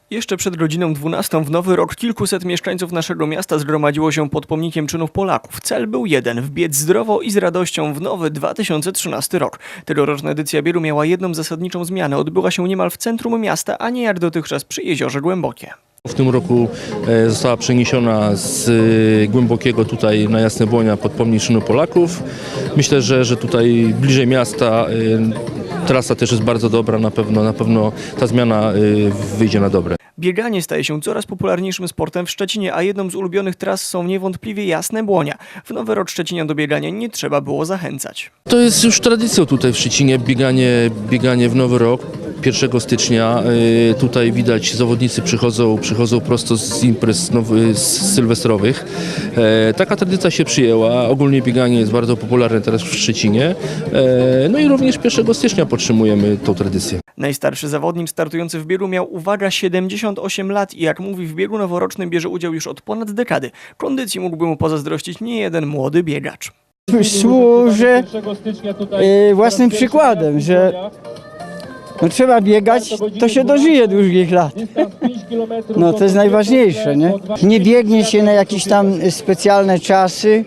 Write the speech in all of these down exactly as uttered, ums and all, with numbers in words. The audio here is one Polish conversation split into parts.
Jeszcze przed godziną dwunastą w Nowy Rok kilkuset mieszkańców naszego miasta zgromadziło się pod pomnikiem czynów Polaków. Cel był jeden – wbiec zdrowo i z radością w nowy dwa tysiące trzynasty rok. Tegoroczna edycja biegu miała jedną zasadniczą zmianę. Odbyła się niemal w centrum miasta, a nie jak dotychczas przy Jeziorze Głębokie. W tym roku została przeniesiona z Głębokiego tutaj na Jasne Błonia pod pomnik czynów Polaków. Myślę, że, że tutaj bliżej miasta trasa też jest bardzo dobra, na pewno, na pewno ta zmiana wyjdzie na dobre. Bieganie staje się coraz popularniejszym sportem w Szczecinie, a jedną z ulubionych tras są niewątpliwie Jasne Błonia. W Nowy Rok Szczecinian do biegania nie trzeba było zachęcać. To jest już tradycją tutaj w Szczecinie, bieganie, bieganie w Nowy Rok. pierwszego stycznia tutaj widać, zawodnicy przychodzą, przychodzą prosto z imprez nowy, z sylwestrowych. Taka tradycja się przyjęła, ogólnie bieganie jest bardzo popularne teraz w Szczecinie. No i również pierwszego stycznia podtrzymujemy tą tradycję. Najstarszy zawodnik startujący w biegu miał, uwaga, siedemdziesiąt osiem lat i jak mówi, w biegu noworocznym bierze udział już od ponad dekady. Kondycji mógłby mu pozazdrościć niejeden młody biegacz. Służę e, własnym przykładem, że no, trzeba biegać, to się dożyje długich lat. No to jest najważniejsze, nie? Nie biegnie się na jakieś tam specjalne czasy,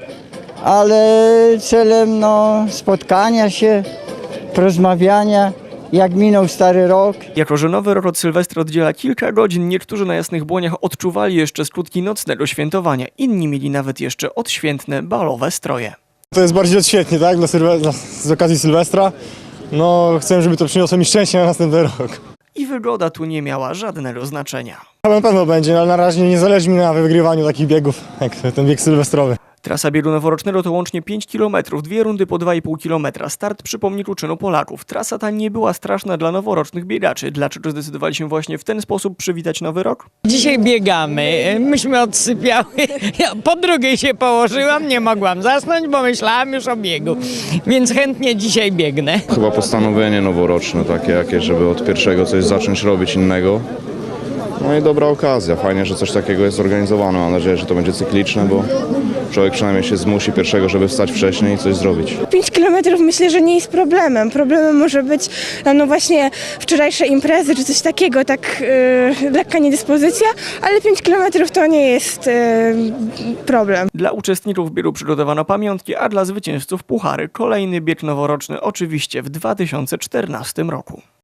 ale celem no, spotkania się, porozmawiania. Jak minął stary rok. Jako że Nowy Rok od Sylwestra oddziela kilka godzin, niektórzy na Jasnych Błoniach odczuwali jeszcze skutki nocnego świętowania. Inni mieli nawet jeszcze odświętne balowe stroje. To jest bardziej odświętnie, tak? Dla Sylwestra, z okazji Sylwestra. No, chcę, żeby to przyniosło mi szczęście na następny rok. I wygoda tu nie miała żadnego znaczenia. Ale na pewno będzie, ale na razie nie zależy mi na wygrywaniu takich biegów, jak ten bieg sylwestrowy. Trasa biegu noworocznego to łącznie pięć kilometrów, dwie rundy po dwa i pół kilometra. Start przy pomniku czynu Polaków. Trasa ta nie była straszna dla noworocznych biegaczy. Dlaczego zdecydowali się właśnie w ten sposób przywitać Nowy Rok? Dzisiaj biegamy, myśmy odsypiały, ja po drugiej się położyłam, nie mogłam zasnąć, bo myślałam już o biegu, więc chętnie dzisiaj biegnę. Chyba postanowienie noworoczne takie jakieś, żeby od pierwszego coś zacząć robić innego. No i dobra okazja, fajnie, że coś takiego jest organizowane, mam nadzieję, że to będzie cykliczne, bo człowiek przynajmniej się zmusi pierwszego, żeby wstać wcześniej i coś zrobić. pięć kilometrów myślę, że nie jest problemem. Problemem może być no właśnie wczorajsze imprezy czy coś takiego, tak yy, lekka niedyspozycja, ale pięć kilometrów to nie jest yy, problem. Dla uczestników biegu przygotowano pamiątki, a dla zwycięzców puchary. Kolejny bieg noworoczny oczywiście w dwa tysiące czternastym roku.